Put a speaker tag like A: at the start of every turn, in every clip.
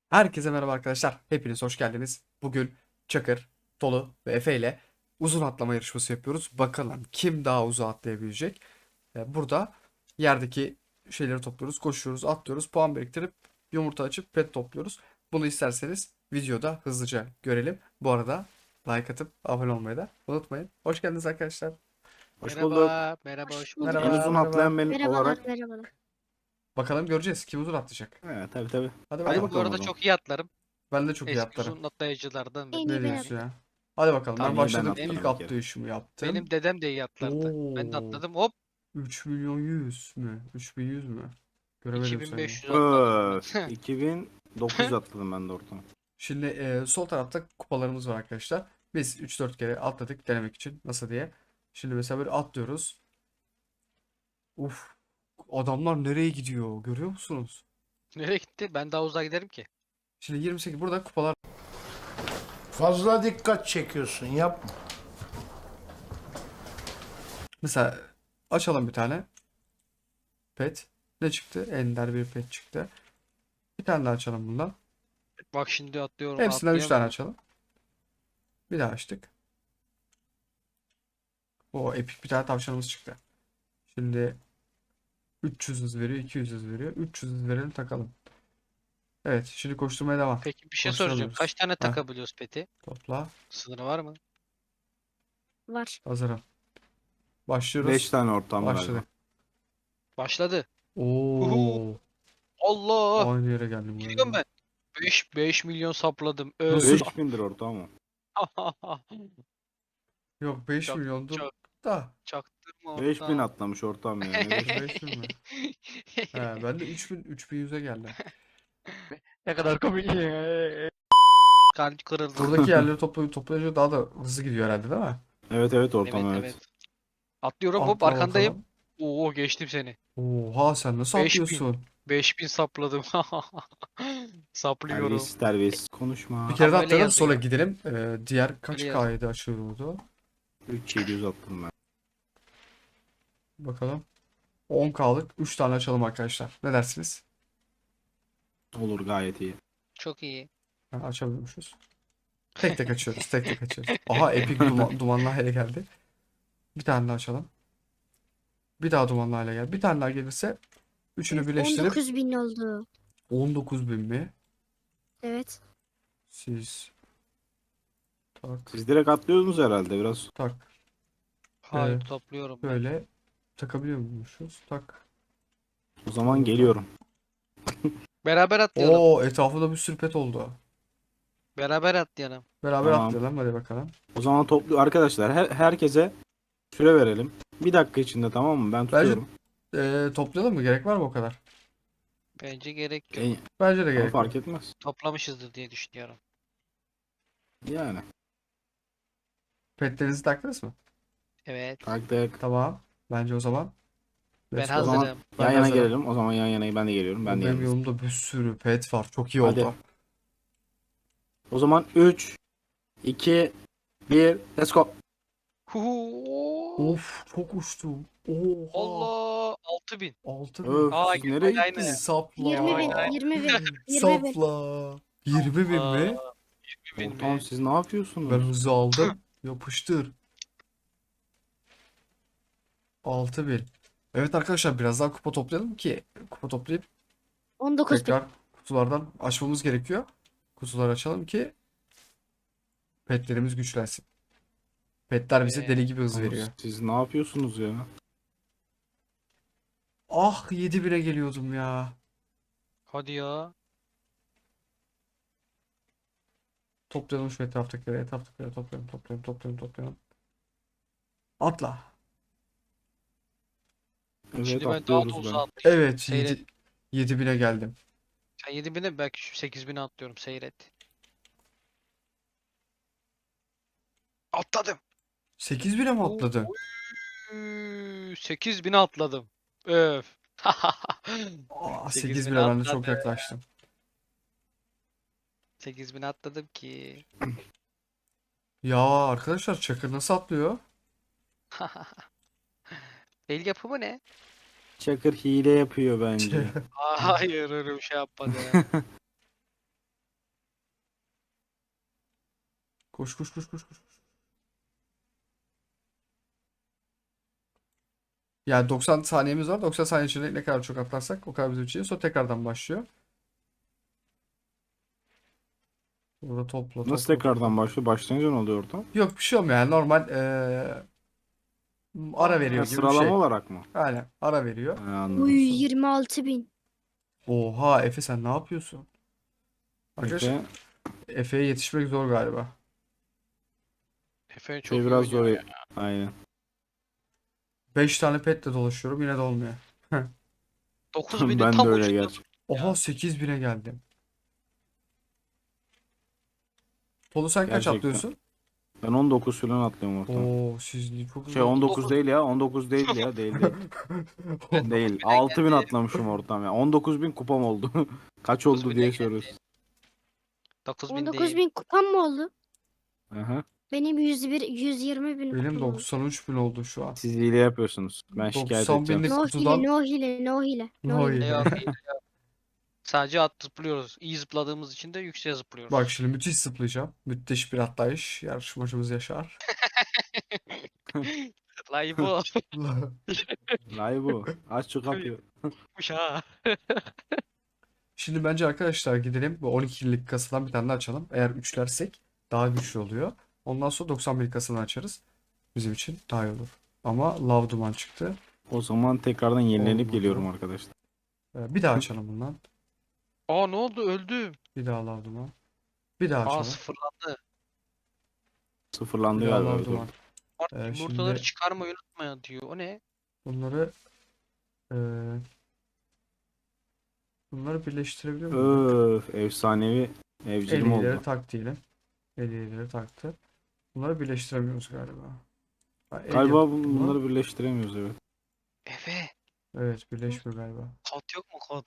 A: Herkese merhaba arkadaşlar. Hepiniz hoş geldiniz. Bugün Çakır, Tolu ve Efe ile uzun atlama yarışması yapıyoruz. Bakalım kim daha uzağa atlayabilecek. Burada yerdeki şeyleri topluyoruz, koşuyoruz, atlıyoruz, puan biriktirip yumurta açıp pet topluyoruz. Bunu isterseniz videoda hızlıca görelim. Bu arada like atıp abone olmayı da unutmayın. Hoş geldiniz arkadaşlar.
B: Hoş bulduk.
C: Merhaba, merhaba,
D: Hoş
C: hoş
D: bulduk.
C: bulduk.
B: En
A: Merhaba,
B: uzun
A: merhaba.
B: atlayan ben
D: Merhabalar,
B: olarak.
D: merhabalar.
A: Bakalım göreceğiz kim uzun atlayacak.
B: Evet, tabii.
A: Hadi
B: Hadi
C: Ben
A: bakalım.
C: bu
B: bakalım o
C: arada
B: zaman.
C: çok iyi atlarım.
A: Ben de çok iyi
C: Eski
A: atlarım.
C: uzun atlayıcılardan
D: En
A: Ne
D: iyi ben
A: diyorsun
D: atladım.
A: ya? Hadi bakalım. Ben
B: En iyi ben
A: başladım. İlk
B: atlarım bir kere.
A: atlayışımı yaptım.
C: benim dedem de iyi atlardı. Ben de
A: Oo,
C: atladım. Hop
A: 3 milyon 100 mü? 3100 mü? Göremedim sayıyı.
C: 2500 atladım ben.
B: 2900 atladım ben de ortam.
A: Şimdi sol tarafta kupalarımız var arkadaşlar. Biz 3-4 kere atladık denemek için. Nasıl diye. Şimdi mesela böyle atlıyoruz. Uf. Adamlar nereye gidiyor? Görüyor musunuz?
C: Nereye gitti? Ben daha uzağa giderim ki.
A: Şimdi 28 burada kupalar.
E: Fazla dikkat çekiyorsun yapma.
A: Mesela açalım bir tane. Pet. Ne çıktı? Ender bir pet çıktı. Bir tane daha açalım bundan.
C: Bak şimdi atlıyorum,
A: Hepsinden 3 tane
C: atlayamıyorum.
A: açalım. Bir daha açtık. O epik bir tane tavşanımız çıktı. Şimdi 300 hız veriyor, 200 hız veriyor. 300 hız verelim takalım. Evet, şimdi koşturmaya devam.
C: Peki bir şey soracağım.
A: Koşturamıyoruz.
C: Kaç tane
A: Heh,
C: takabiliyoruz peti?
A: topla.
C: Sınırı var mı?
D: Var.
A: Hazırım.
B: 5
A: Başlıyoruz.
B: tane ortam galiba.
A: Başladık.
C: Başladı. Huhu.
A: Oo,
C: Allah!
A: aynı yere geldim
C: Gidiyorum
A: galiba.
C: ben. 5 milyon sapladım.
A: Nasıl?
B: 5000'dir ortam o.
A: Yok 5
C: Çok
A: milyondur
C: çok
A: da.
C: çaktırma
B: 5000
C: ortam.
B: atlamış ortam ya. Ne 5
A: 5 bin mi? He, ben de 3100'e geldim.
C: Ne kadar komik. Kalp kırıldı.
A: Buradaki yerleri toplayınca daha da hızlı gidiyor herhalde değil mi?
B: Evet
C: Evet,
B: ortam
C: evet.
B: evet.
C: Atlıyorum, hop
A: Atla
C: arkandayım.
A: bakalım.
C: Oo, geçtim seni.
A: Oha sen nasıl
C: 5000.
A: atlıyorsun?
C: 5000 sapladım. Saplıyorum.
B: Terbiyesiz
A: Bir
B: konuşma.
A: kere de
C: Ama öyle
A: atlayalım sonra
C: yazıyor.
A: gidelim. Diğer
C: Öyle
A: kaç
C: yazıyor.
A: K'ydı açılıyordu?
B: 3700 attım ben.
A: Bakalım. 10K'lık 3 tane açalım arkadaşlar. Ne dersiniz?
B: Olur gayet iyi.
C: Çok iyi.
A: Ha, açabiliyormuşuz. Tek tek açıyoruz. Tek tek açıyoruz. Aha epik dumanlı hale geldi. Bir tane daha açalım. Bir daha dumanlı hale geldi. Bir tane daha gelirse üçünü
D: Evet,
A: birleştirip
D: 19.000 oldu.
A: 19.000 mi?
D: Evet.
A: Siz tak
B: Siz direkt atlıyorsunuz herhalde biraz.
A: tak
C: Hayır, topluyorum ben.
A: böyle takabiliyor muymuşuz? Tak.
B: O zaman geliyorum.
C: Beraber atlayalım.
A: Oo etrafında bir sürü pet oldu.
C: Beraber atlayalım.
A: Beraber
B: Tamam.
A: atlayalım hadi bakalım.
B: O zaman toplu arkadaşlar herkese süre verelim. Bir dakika içinde tamam mı? Ben
A: Bence
B: tutuyorum.
A: toplayalım mı? Gerek var mı o kadar?
C: Bence gerek yok.
A: Bence de
B: Ama
A: gerek yok.
B: fark etmez.
C: Toplamışızdır diye düşünüyorum.
B: Yani.
A: Petlerinizi taktınız mı?
C: Evet.
B: Taktık.
A: Tamam. Bence o zaman.
C: Ben
A: Let's go.
B: O zaman
C: hazırım.
A: Ben
B: yan
A: de
B: yana
A: hazırım.
B: gelelim. O zaman yan yana ben de geliyorum. Ben de
A: Benim
B: yanınızdayım.
A: yolumda bir sürü pet var. Çok iyi
B: Hadi.
A: oldu.
B: O zaman 3, 2, 1, let's go.
C: Huhu.
A: Of çok uçtum. Oha.
C: Allah, 6000.
A: 6000.
B: Öf
C: Aa,
B: siz nereye
C: aynı.
B: gittiniz?
A: Sapla.
D: 20.000, 20.000, 20.000.
A: Sapla. 20.000
C: Aa,
A: mi?
C: 20.000
B: Ortam
C: mi?
B: siz ne yapıyorsunuz?
A: Ben hızı aldım. Yapıştır. 6000. Evet arkadaşlar biraz daha kupa toplayalım ki kupa toplayıp
D: 19.000.
A: tekrar kutulardan açmamız gerekiyor. Kutuları açalım ki petlerimiz güçlensin. Petler bize deli gibi hız
B: Oğlum,
A: veriyor.
B: siz ne yapıyorsunuz ya?
A: Ah 7000'e geliyordum ya.
C: Hadi ya.
A: Toplayalım şu etraftakileri toplayalım. Atla.
B: Evet
C: Şimdi ben daha da
B: atlıyoruz ben.
C: uzağa atlayacağım.
A: Evet
C: Seyret.
A: 7000'e geldim.
C: Sen 7000'e, belki şu 8000'e atlıyorum. Seyret. Atladım.
A: 8000'e mi atladın?
C: 8000'e atladım. Öf.
A: Aa
C: 8000'e
A: 8000'e ben de çok
C: atladım.
A: yaklaştım.
C: 8000'e atladım ki.
A: Ya arkadaşlar Çakır nasıl atlıyor?
C: El yapımı ne?
B: Çakır hile yapıyor bence.
C: Hayır, öyle bir şey yapmadı.
A: Koş koş koş koş koş. Yani 90 saniyemiz var. 90 saniye içinde ne kadar çok atlarsak o kadar bizim için. Sonra tekrardan başlıyor. Burada topla
B: Nasıl
A: topla
B: tekrardan
A: topla.
B: başlıyor? Başlayınca ne oluyor ortam?
A: Yok bir şey olmuyor yani normal ara veriyor
B: Ha,
A: gibi bir
B: sıralama
A: şey.
B: olarak mı?
A: Aynen ara veriyor.
B: Ha, anladım.
D: Uy 26.000.
A: Oha Efe sen ne yapıyorsun? Arkadaşlar
B: Efe,
A: Efe'ye yetişmek zor galiba.
C: Efe çok
B: şey
C: iyi
B: biraz zor.
C: oynuyor ya.
B: Aynen.
A: 5 tane petle dolaşıyorum yine de olmuyor.
C: 9000'in
B: Ben de
C: tam
B: öyle
C: ucunda.
B: gerçi.
A: Oha 8000'e geldim. Tolu sen kaç
B: Gerçekten.
A: atlıyorsun?
B: Ben 19 falan atlıyorum ortam.
A: Oo siz çok
B: Şey
A: hızlı
B: 19 değil ya. 19 değil ya. Değil değil.
C: Ben
B: Değil.
C: 9000'e
B: 6000
C: geldim.
B: atlamışım ortam ya. 19.000 kupam oldu. Kaç oldu
C: 9000'e
B: diye
C: geldi.
B: soruyorsun.
C: 9000 değil.
D: 19.000 kupam mı oldu?
B: Aha.
D: Benim 120.000
A: Benim
D: kupam oldu.
A: 93 bin oldu şu an.
B: Siz hile yapıyorsunuz. Ben şikayet
A: 90
B: edeceğim.
A: binlik
D: No hile,
A: kutudan
D: no hile, no hile, no
A: no
D: hile.
A: hile.
C: Yok iyi yok. Sadece zıplıyoruz. İyi zıpladığımız için de yükseğe zıplıyoruz.
A: Bak şimdi müthiş zıplayacağım. Müthiş bir atlayış. Yarışmacımız Yaşar.
C: Lay bu.
B: Lay bu. Aç şu kapıyı.
C: Kuş ha.
A: Şimdi bence arkadaşlar gidelim. Bu 12'lik kasadan bir tane daha açalım. Eğer üçlersek daha güçlü oluyor. Ondan sonra 91 kasadan açarız. Bizim için daha iyi olur. Ama lav duman çıktı.
B: O zaman tekrardan yenilenip
A: Olmadı.
B: geliyorum arkadaşlar.
A: Bir daha açalım bundan.
C: Aa ne oldu? Öldüm.
A: Bir daha lav duman. Bir daha
C: Aa
A: açalım.
C: sıfırlandı.
B: Sıfırlandı
A: Bir daha
B: galiba.
A: lav
B: Dur.
A: duman.
C: Artık yumurtaları
A: Şimdi
C: çıkarmayı unutma diyor. O ne?
A: bunları e, bunları birleştirebiliyor muyum?
B: Öf, efsanevi evcilim
A: Elileri
B: oldu.
A: tak diyelim. Elileri taktı. Bunları birleştiremiyoruz galiba. Ha, el
B: Galiba
A: yapımı.
B: bunları birleştiremiyoruz, evet.
C: Efe.
A: Evet birleşmiyor galiba.
C: Kod yok mu kod?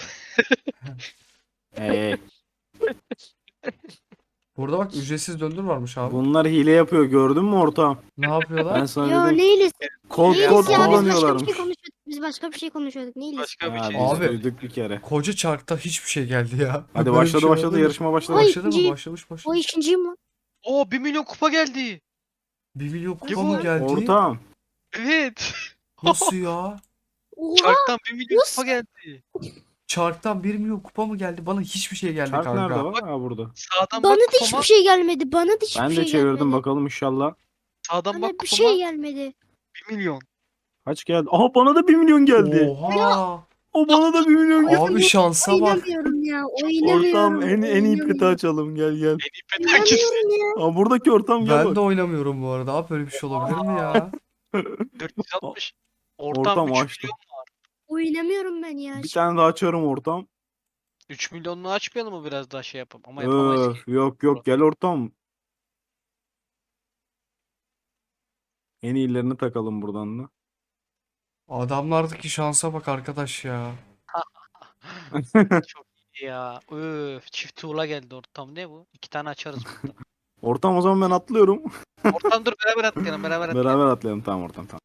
B: Ee,
A: Burada bak ücretsiz döndür varmış abi.
B: bunlar hile yapıyor, gördün mü ortağım?
A: Ne yapıyorlar?
B: Ben sana
D: Ya
B: dedim,
D: ne hilesi?
B: kod
D: Ne
B: kod
D: hilesi ya? Biz başka bir
B: kullanıyorlarmış.
D: şey konuşuyorduk. Biz başka bir şey konuşuyorduk. Ne hilesi?
C: Başka bir
B: Ha,
C: şey.
B: biz
A: Abi.
B: duyduk bir kere.
A: Koca çarkta hiçbir şey geldi ya.
B: Hadi
A: Böyle bir
B: başladı
A: şey
B: başladı,
A: olabilir mi?
B: yarışma başladı.
D: Ay,
A: Başladı mı?
D: ikinci-
A: Başlamış
D: O
A: başlamış.
D: ikinciyim lan.
C: Oo 1 milyon kupa geldi.
A: 1 milyon kupa
C: bu?
A: mı geldi?
B: Ortağım,
C: Evet.
A: Nasıl ya?
D: Oha.
C: Çarktan 1 milyon
D: Nasıl?
C: kupa geldi.
A: Çarktan 1 milyon kupa mı geldi? Bana hiçbir şey geldi
B: çark
A: kanka.
B: nerede var? Ha, burada.
C: Sağdan
D: Bana
C: bak
D: da
C: kupama.
D: hiçbir şey gelmedi. Bana da hiçbir
B: Ben de
D: şey
B: çevirdim,
D: gelmedi.
B: bakalım inşallah.
C: Sağdan
D: Bana
C: bak
D: bir
C: kupama.
D: şey gelmedi.
C: 1 milyon.
B: Kaç geldi? Aha, bana da 1 milyon geldi.
A: Oha!
B: O bana da 1 milyon geldi.
A: Abi şansa bak.
D: Oynamıyorum ya.
B: Ortağım,
D: Oynamıyorum.
B: en iyi peti
D: oynamıyorum.
B: açalım, gel gel.
C: En iyi pet hangisi?
D: Oynamıyorum ya.
B: Aa, buradaki ortam, gel
A: Ben
B: bak.
A: de oynamıyorum bu arada. Abi böyle bir şey olabilir mi ya?
C: 460. Ortam
B: Ortam
C: 3
B: açtı.
C: milyon.
D: Oynamıyorum ben ya.
B: Bir tane daha açarım ortam.
C: 3 milyonunu açmayalım mı biraz daha şey yapalım? Ama yapamayız ki.
B: Öf, yok yok, gel ortam. En iyilerini takalım buradan da.
A: Adamlardaki şansa bak arkadaş ya.
C: Çok iyi ya. Öf, çift tuğla geldi ortam. Ne bu? 2 tane açarız burada.
B: Ortam, o zaman ben atlıyorum.
C: Ortam dur beraber atlayalım beraber atlayalım.
B: Beraber atlayalım, tamam ortam, tamam.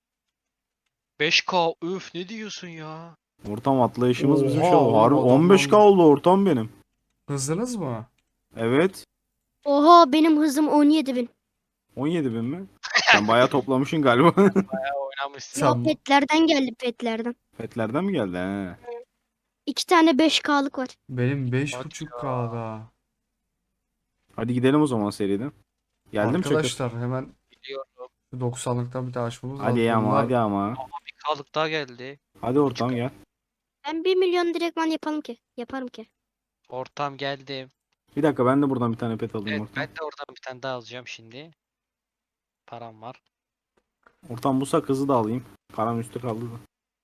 C: 5K öf ne diyorsun ya?
B: Ortam atlayışımız bizim
A: Oha
B: şey
A: oğlum,
B: oldu. Harbi
A: adamlar-
B: 15K oldu ortam benim.
A: Hızlınız mı?
B: Evet.
D: Oha benim hızım 17.000.
B: 17.000 mi? Sen bayağı toplamışsın galiba.
C: Oynamışsın.
D: Ya
A: Sen-
D: petlerden geldi petlerden.
B: Petlerden mi geldi? He.
D: 2 tane 5K'lık var.
A: Benim
C: Bak
A: 5.5K'da.
B: Hadi gidelim o zaman seriden. Geldim Çakır.
A: Arkadaşlar hemen
C: Biliyorum.
A: 90'lıktan bir daha açmamız
B: Hadi
A: lazım.
B: ama,
A: Bunlar-
B: hadi ama.
C: Bir K'lık daha geldi.
B: Hadi ortam gel.
D: Ben 1 milyon direktman yapalım ki. Yaparım ki.
C: Ortam geldi.
B: Bir dakika, ben de buradan bir tane pet alayım
C: Evet
B: ortam.
C: ben de oradan bir tane daha alacağım şimdi. Param var.
B: Ortam bu sakızı da alayım. Param üstü kaldı da.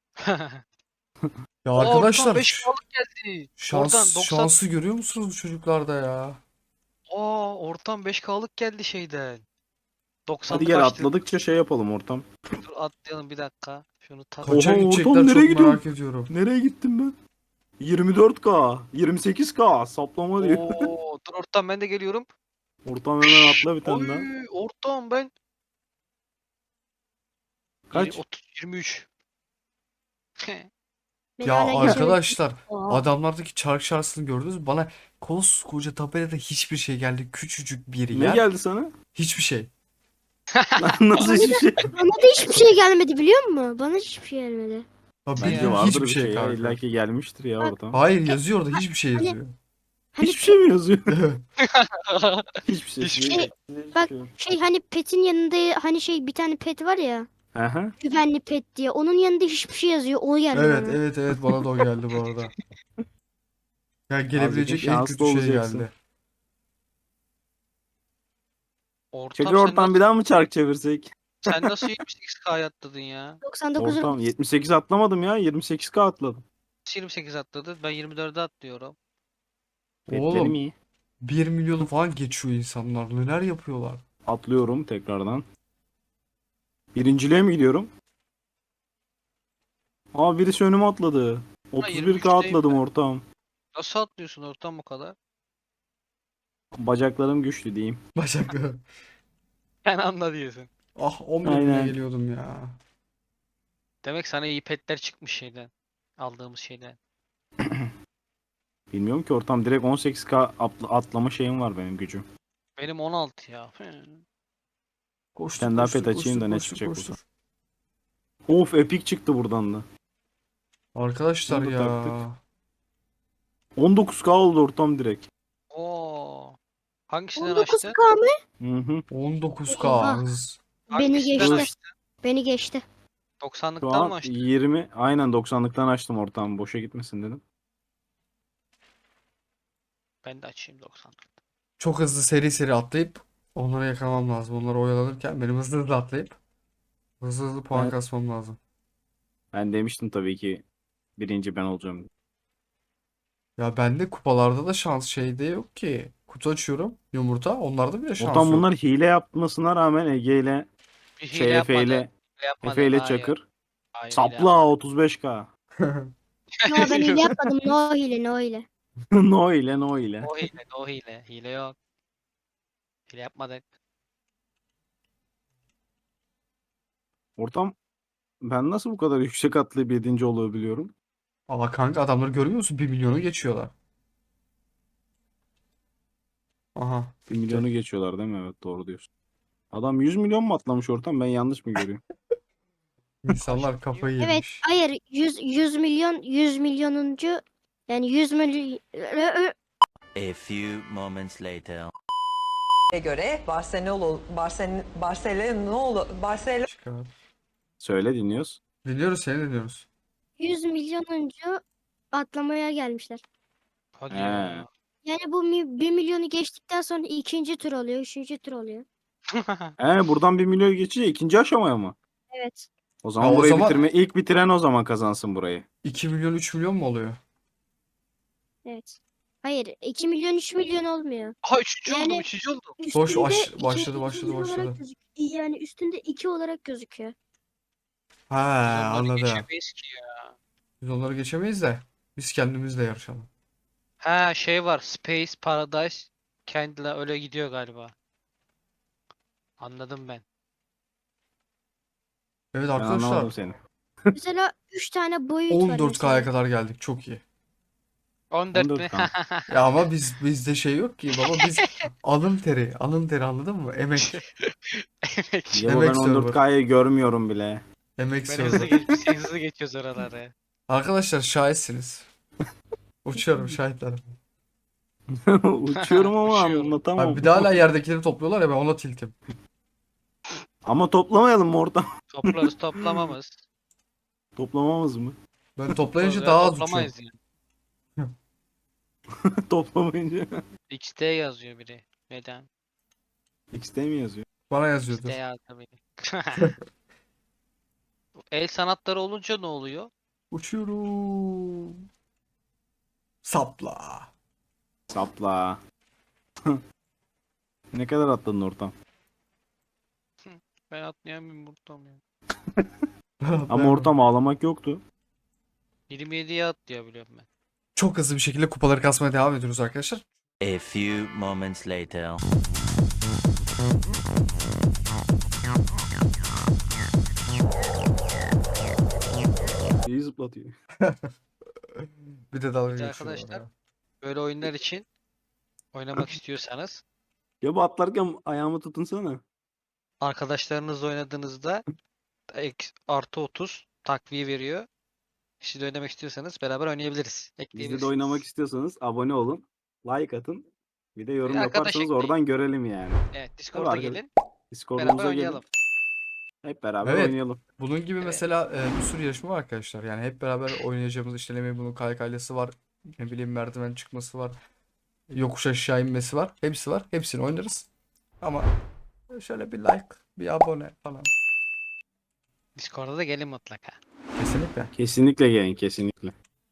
A: Ya
C: Aa,
A: arkadaşlar
C: Ortam 5 K'lık geldi.
A: şans,
C: Oradan 90.
A: şansı görüyor musunuz bu çocuklarda ya?
C: Aa ortam 5 K'lık geldi şeyden. 90
B: Hadi gel, atladıkça şey yapalım ortam.
C: Dur atlayalım bir dakika. Şunu tak.
A: Kaça
B: Oha,
A: gidecekler
B: ortam
A: çok
B: nereye gidiyor?
A: merak ediyorum.
B: Nereye gittim ben? 24K, 28K saplama diyor.
C: Oo, dur ortam ben de geliyorum.
B: Ortam hemen atla bir tane daha.
C: Oy, ortam ben.
B: Kaç?
C: 23.
D: Ben
A: Ya
D: hala geçemedim.
A: arkadaşlar
D: Oha.
A: adamlardaki çark şansını gördünüz mü? Bana koskoca tabelada hiçbir şey geldi. Küçücük bir
B: Ne
A: yer.
B: geldi sana?
A: Hiçbir şey.
B: Nasıl hiçbir şey?
D: Bana da hiçbir şey gelmedi biliyor musun? Bana hiçbir şey gelmedi.
A: Ya
C: Bence
B: Bence
A: bildiğin
B: vardır
A: hiçbir
B: bir
A: şey
B: şey ya.
A: kanka.
B: İlla ki gelmiştir ya
D: Bak.
B: oradan.
A: Hayır yazıyor orada hiçbir şey
D: Hani-
A: yazıyor.
D: Hani
B: Hiçbir şey mi yazıyor?
A: Evet.
B: Hiçbir şey.
C: Hiçbir
D: şey. Bak şey hani petin yanında hani şey bir tane pet var ya.
B: Aha.
D: Güvenli pet diye. Onun yanında hiçbir şey yazıyor. O geldi
A: Evet
D: bana.
A: evet evet bana da o geldi bu arada. Ya gelebilecek en
B: şanslı
A: kötü şey
B: olacaksın.
A: geldi.
C: Ortam
B: Çakır ortam bir daha mı çark çevirsek?
C: sen nasıl 78K'ya atladın ya?
D: 99
B: Ortam 78 atlamadım ya. 28K atladım.
C: Nasıl 28 atladın? Ben 24'e atlıyorum.
B: Petlerim
A: Oğlum
B: iyi.
A: 1 milyonu falan geçiyor insanlar. Neler yapıyorlar?
B: Atlıyorum tekrardan. Birinciliğe mi gidiyorum? Aa birisi önüme atladı. 31K
C: 23'teyim
B: atladım ortam.
C: Nasıl atlıyorsun ortam bu kadar?
B: Bacaklarım güçlü diyeyim.
A: Bacakları.
C: Ben anla diyorsun.
A: Ah 11 bine
B: Aynen.
A: geliyordum ya.
C: Demek sana iyi petler çıkmış şeyden. Aldığımız şeyden.
B: Bilmiyorum ki ortam direkt 18K atlama şeyim var benim gücüm.
C: Benim 16 ya.
A: Koştur
B: Sen daha
A: koştur
B: pet açayım da ne
A: koştur
B: çıkacak
A: koştur.
B: Of epic çıktı buradan da.
A: Arkadaşlar
B: Bunu da
A: ya.
B: taktık. 19K oldu ortam direkt.
C: Oo. Hangisinden
D: 19
C: açtın?
D: k mı?
B: Hı hı.
A: 19K
D: Oha.
A: hız.
D: Beni
C: Hangisinden
D: geçti.
C: açtın?
D: Beni geçti.
B: Şu
C: 90'lıktan mı
B: an
C: açtın?
B: 20 aynen 90'lıktan açtım ortam boşa gitmesin dedim.
C: Ben de açayım 90'lık.
A: Çok hızlı seri seri atlayıp onları yakalamam lazım. Onları oyalanırken benim hızlı hızlı atlayıp hızlı hızlı puan
B: Evet.
A: kasmam lazım.
B: Ben demiştim tabii ki birinci ben olacağım.
A: Ya bende kupalarda da şans şeyde yok ki. Kutu açıyorum yumurta. Onlarda bile şans
B: Ortam
A: yok.
B: bunlar hile yapmasına rağmen Ege ile
C: Bir hile
B: şey Efe
C: yapmadı.
B: ile
C: Hile yapmadı.
B: Efe ile
C: Hayır.
B: Çakır.
C: Hayır, hile
B: Sapla 35K.
D: No ben hile yapmadım. No hile no hile.
B: No ile no ile.
C: O hile, o hile. Hile yok. Hile yapmadık.
B: Ortam ben nasıl bu kadar yüksek atlayıp 7. olabiliyorum?
A: Ama kanka adamları görüyor musun? 1 milyonu geçiyorlar. Aha.
B: 1 milyonu geçiyorlar değil mi? Evet doğru diyorsun. Adam 100 milyon mu atlamış ortam? Ben yanlış mı görüyorum?
A: İnsanlar kafayı
D: Evet
A: yemiş.
D: hayır 100 milyon 100 milyonuncu yani 100 milyon
F: A few moments later.
G: göre Barcelona
A: Çıkar.
B: Söyle dinliyoruz.
A: Dinliyoruz seni dinliyoruz.
D: 100 milyonuncu atlamaya gelmişler.
C: Hadi
B: He.
C: ya.
D: Yani bu 1 milyonu geçtikten sonra ikinci tur oluyor, üçüncü tur oluyor.
B: Buradan 1 milyon geçince ikinci aşamaya mı?
D: Evet.
B: O zaman
A: Ya o
B: burayı
A: zaman-
B: ilk bitiren o zaman kazansın burayı.
A: 2 milyon 3 milyon mu oluyor?
D: Evet. Hayır 2 milyon 3 milyon olmuyor.
C: Aha üçüncü
D: Yani-
C: oldum, üçüncü oldum.
A: Boş,
D: Üstünde
A: başladı,
D: ikinci
A: başladı,
D: olarak
A: başladı.
D: Yani üstünde 2 olarak gözüküyor.
A: Ha
C: Biz onları
A: anladım.
C: geçemeyiz ki ya.
A: Biz onları geçemeyiz de biz kendimizle yarışalım.
C: Ha şey var. Space Paradise kendiyle öyle gidiyor galiba. Anladım ben.
A: Evet
B: Ben anlamadım
A: arkadaşlar
B: seni.
D: Mesela 3 tane boyut var
A: 14K'ya
D: mesela.
A: kadar geldik. Çok iyi.
C: 14 mi?
B: 14K.
A: Ya ama bizde şey yok ki baba biz alın teri anladın mı? Emek
C: Emek.
B: Ya ben
A: Emek server.
B: 14K'yı görmüyorum bile.
A: emek
C: Ben hızlı,
A: server.
C: biz hızlı geçiyoruz oraları.
A: Arkadaşlar şahitsiniz. Uçuyorum şahitlerim.
B: Uçuyorum ama
C: Uçuyorum.
B: anlatamam.
A: Abi bir de hala yerdekileri topluyorlar ya ben ona tiltim.
B: Ama toplamayalım mı ortam?
C: Toplarız toplamamız.
B: Toplamamız mı?
A: Ben toplayınca
C: Toplarız
A: daha
C: ya,
A: az uçuyorum.
C: toplamayız yani.
B: Toplamayınca.
C: XD yazıyor biri. Neden?
B: XT mi yazıyor?
A: Bana
C: XD
A: yazıyordur.
C: yazdı biri. El sanatları olunca ne oluyor?
A: Uçuyorum. Sapla.
B: Sapla. Ne kadar atladın ortam?
C: Ben atlayamıyorum buradan ya.
B: Ama ortam ağlamak yoktu.
C: 27'ye atlayabiliyorum ben.
A: Çok hızlı bir şekilde kupaları kasmaya devam ediyoruz arkadaşlar.
F: A few moments later.
B: İyi zıplatıyor.
A: Bir de dalga
C: Bir de
A: geçiyorlar
C: arkadaşlar-
A: ya.
C: Böyle oyunlar için oynamak istiyorsanız
B: Ya bu atlarken ayağımı tutunsana.
C: arkadaşlarınızla oynadığınızda artı 30 takviye veriyor. Siz de oynamak istiyorsanız beraber oynayabiliriz.
B: Bizde de
C: Ekleyebilirsiniz.
B: oynamak istiyorsanız abone olun. Like atın. Bir de yorum
C: arkadaş
B: yaparsanız
C: ekleyin.
B: oradan görelim yani.
C: Evet,
B: Tabii
C: Discord'a
B: arkadaş-
C: gelin.
B: Discord'umuza
C: Beraber
B: gelin.
C: oynayalım.
B: Hep beraber
A: Evet.
B: oynayalım.
A: Bunun gibi
C: Evet.
A: mesela bir sürü yarışma var arkadaşlar. Yani hep beraber oynayacağımız işte ne bileyim bunun kaykaylısı var. Ne bileyim merdiven çıkması var. Yokuş aşağı inmesi var. Hepsi var. Hepsini oynarız. Ama şöyle bir like, bir abone falan.
C: Discord'a da gelin mutlaka.
A: Kesinlikle.
B: Kesinlikle gelin kesinlikle.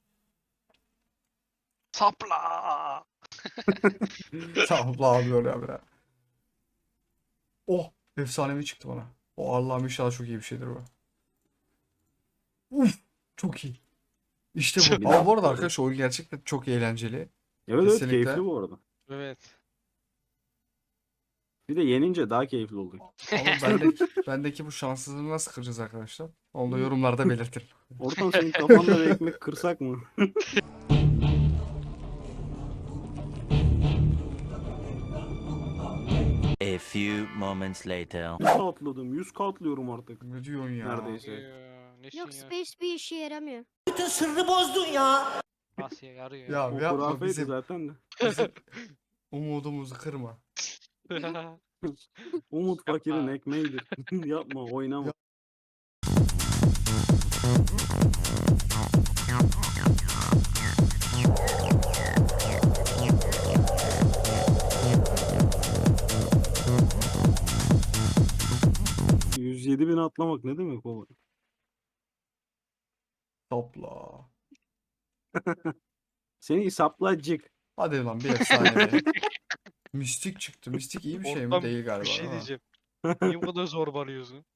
C: Sapla!
A: Tamam abi öyle abi ya. Oh, efsanevi çıktı bana. O Allah'ım inşallah çok iyi bir şeydir bu. Uf, çok iyi. İşte
C: Çok
A: bu. Ama bu arada arkadaşlar oyun gerçekten çok eğlenceli.
B: Evet evet
A: Kesinlikle.
B: keyifli bu arada.
C: Evet.
B: Bir de yenince daha keyifli oldu.
A: Ama bendeki bu şanssızlığı nasıl kıracağız arkadaşlar? Onu da yorumlarda belirtin.
B: Ortam senin kafanda bir ekmek kırsak mı?
F: A few moments later.
B: 100 atladım. 100 atlıyorum artık.
A: Ne diyorsun ya?
B: Neredeyse.
C: Nesin
D: Yok
C: ya?
D: space bir işe yaramıyor.
C: Asya yarıyor.
A: Ya
B: O
A: yapma
B: kurafeydi
A: bizim
B: zaten de.
A: umudumuzu kırma.
B: Umut fakirin
C: Yapma.
B: ekmeğidir. Yapma oynama. ...107.000 atlamak ne demek baba?
A: Topla.
B: Seni saplacık.
A: Hadi lan bir efsane be. Mistik çıktı. Mistik iyi bir şey mi?
C: Ortam
A: Değil galiba.
C: bir şey
A: ama.
C: diyeceğim. Niye bu kadar zorbalıyorsun?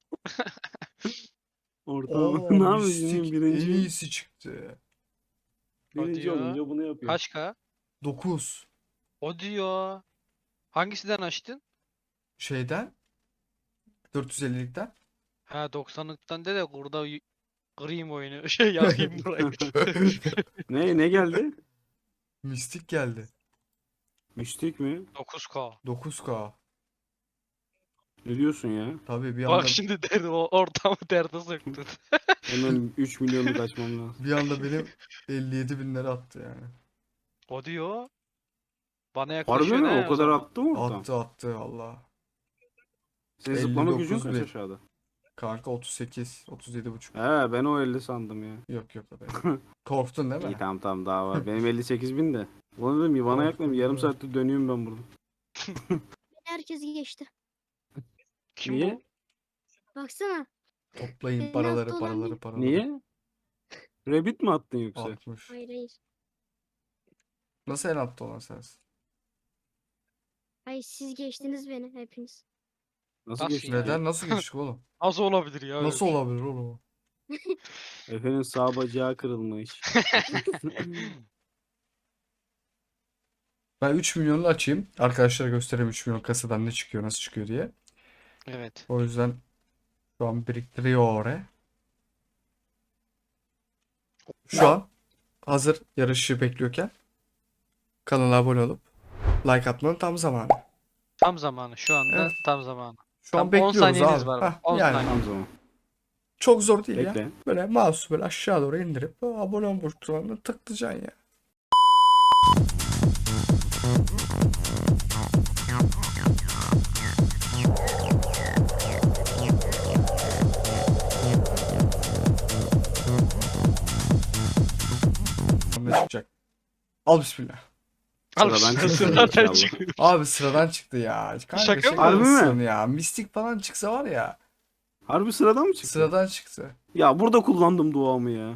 B: Ortam
A: Oo,
B: ne yapıyorsun?
A: mistik en
B: Birinci,
A: iyisi çıktı.
B: birinci
C: Hadi ya.
B: olunca bunu yapıyor.
C: Kaç K?
A: 9.
C: O diyor. Hangisinden açtın?
A: Şeyden 450'likten.
C: Ha 90'lıktan de burada kırayım oyunu. Şey yakayım burayı.
B: Ne geldi?
A: Mistik geldi.
B: Mistik mi?
C: 9K.
A: 9K.
B: Ne diyorsun ya?
A: Tabii bir anda
C: Bak şimdi derdi o ortamı derde soktun.
B: Hemen 3 milyonluk açmam lazım.
A: bir anda benim 57 binleri attı yani.
C: O diyor. Bana
B: Harbi
C: yaklaşıyor
B: mi?
C: ne
B: O kadar
C: zaman?
B: attı mı ortam?
A: Attı Allah.
B: Senin zıplama gücün
A: 59
B: kaç
A: bin.
B: aşağıda?
A: Kanka 38, 37 buçuk.
B: He ben o 50 sandım ya.
A: Yok yok be. Korktun değil
B: İyi
A: mi?
B: tamam daha var. Benim 58 bin de. Ulan dedim bana yaklaşım yarım
A: Korktum.
B: saattir dönüyorum ben burada.
D: Herkes geçti.
C: Kim
B: Niye?
C: bu?
D: Baksana.
A: Toplayın
D: Senin
A: paraları,
D: altta olan
A: paraları,
D: değil.
A: paraları.
B: Niye? Rabbit mi attın yoksa?
A: 60.
D: Hayır hayır.
A: Nasıl en altta olan sensin?
D: Hayır siz geçtiniz beni hepiniz.
B: Nasıl
C: Nasıl
B: geçti?
C: ya?
A: Neden? Nasıl geçtik oğlum?
C: Nasıl olabilir ya? öyle
A: Nasıl
C: bir şey?
A: olabilir oğlum?
B: Efe'nin sağ bacağı kırılmış.
A: Ben 3 milyonunu açayım. Arkadaşlara göstereyim 3 milyon kasadan ne çıkıyor, nasıl çıkıyor diye.
C: Evet.
A: O yüzden şu an biriktiriyor oraya. Şu an hazır yarışı bekliyorken kanala abone olup like atmanın tam zamanı.
C: Tam zamanı. Şu anda
A: Evet.
C: tam zamanı.
A: Şu an
C: Tam 10
A: bekliyoruz
C: saniyeniz
A: abi.
C: var.
A: Heh,
C: 10
A: yani
C: saniye.
B: Tam zaman.
A: çok zor değil ya.
B: Bekle.
A: Böyle mouse'u böyle aşağı doğru indirip abone ol butonuna tıklayacaksın ya. Ne çıkacak? Al bismillah.
C: Al
B: Sıradan
C: işte,
B: çıksın
C: sıradan
B: inşallah.
C: çıkıyor.
A: Abi sıradan çıktı ya. Kanka
C: Şaka mı?
A: şaka
B: Harbi mi?
A: mısın ya? Mistik falan çıksa var ya.
B: Harbi sıradan mı çıktı?
A: Sıradan çıktı.
B: Ya burada kullandım duamı ya.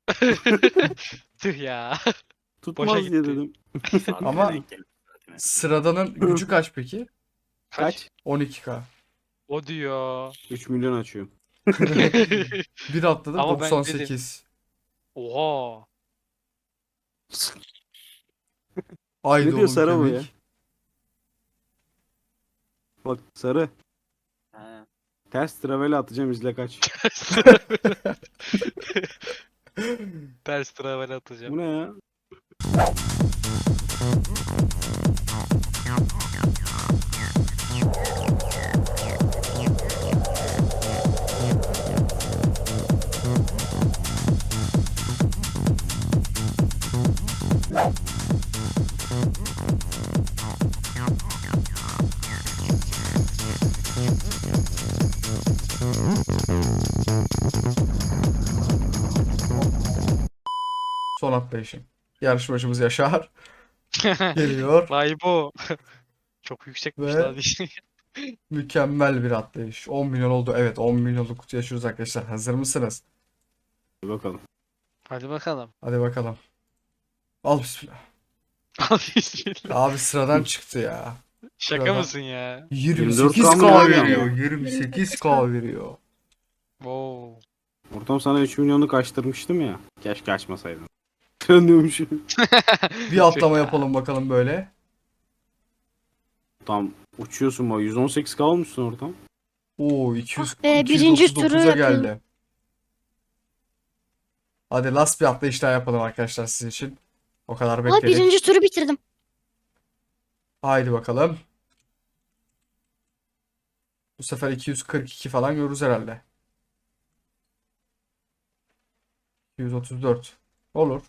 C: Tüh ya.
B: Tutmaz
C: Boşa
B: diye
C: gitti.
B: dedim.
A: Ama sıradanın gücü kaç peki?
B: Kaç?
A: 12K.
C: O diyor.
B: 3 milyon açıyorum.
A: Bir atladım
C: Ama ben
A: 98.
C: Oha.
A: Haydi
B: Ne diyor
A: oğlum
B: Sara bu
A: kemik.
B: ya? Bak sarı. Ters travel atacağım izle kaç.
C: Ters travel atacağım.
B: Bu ne ya?
A: Son atlayışım. Yarışmacımız Yaşar geliyor.
C: Vay bu. Çok yüksekmiş
A: Ve-
C: lan.
A: Mükemmel bir atlayış. 10 milyon oldu. Evet, 10 milyonluk kutu yaşıyoruz arkadaşlar. Hazır mısınız?
B: Bir bakalım.
C: Hadi bakalım.
A: Hadi bakalım. Al bismillah.
C: Al bismillah.
A: Abi sıradan çıktı ya.
C: Şaka
A: Şuradan.
C: mısın ya?
A: 28K
B: veriyor.
A: veriyor. 28K veriyor.
C: Wow.
B: Ortam sana 3 milyonluk açtırmıştım ya. Keşke açmasaydın. Dönüyormuşum.
A: Bir atlama yapalım bakalım böyle.
B: Tam uçuyorsun bak 118K olmuşsun ortam.
A: Oo 200,
D: Ah be, birinci turu
A: 239'a
D: yapıyorum.
A: geldi. Hadi last bir atlayış daha yapalım arkadaşlar sizin için. O kadar
D: Aa,
A: bekledik.
D: birinci turu bitirdim.
A: Haydi bakalım. Bu sefer 242 falan görürüz herhalde. 234. Olur.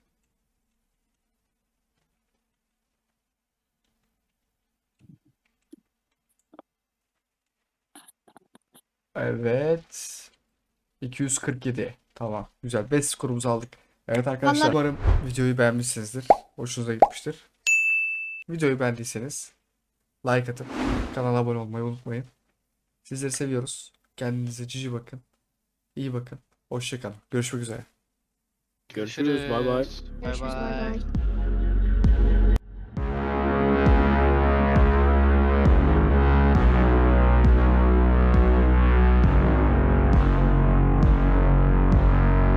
A: Evet. 247. Tamam. Güzel. 5 skorumuzu aldık. Evet arkadaşlar.
D: Vallahi-
A: Umarım videoyu beğenmişsinizdir. Hoşunuza gitmiştir. Videoyu beğendiyseniz like atıp kanala abone olmayı unutmayın. Sizleri seviyoruz. Kendinize cici bakın. İyi bakın. Hoşça kalın. Görüşmek üzere.
B: Görüşürüz. Bay bay.
C: Bay
D: Görüşürüz. Bay
C: bay.
D: bay.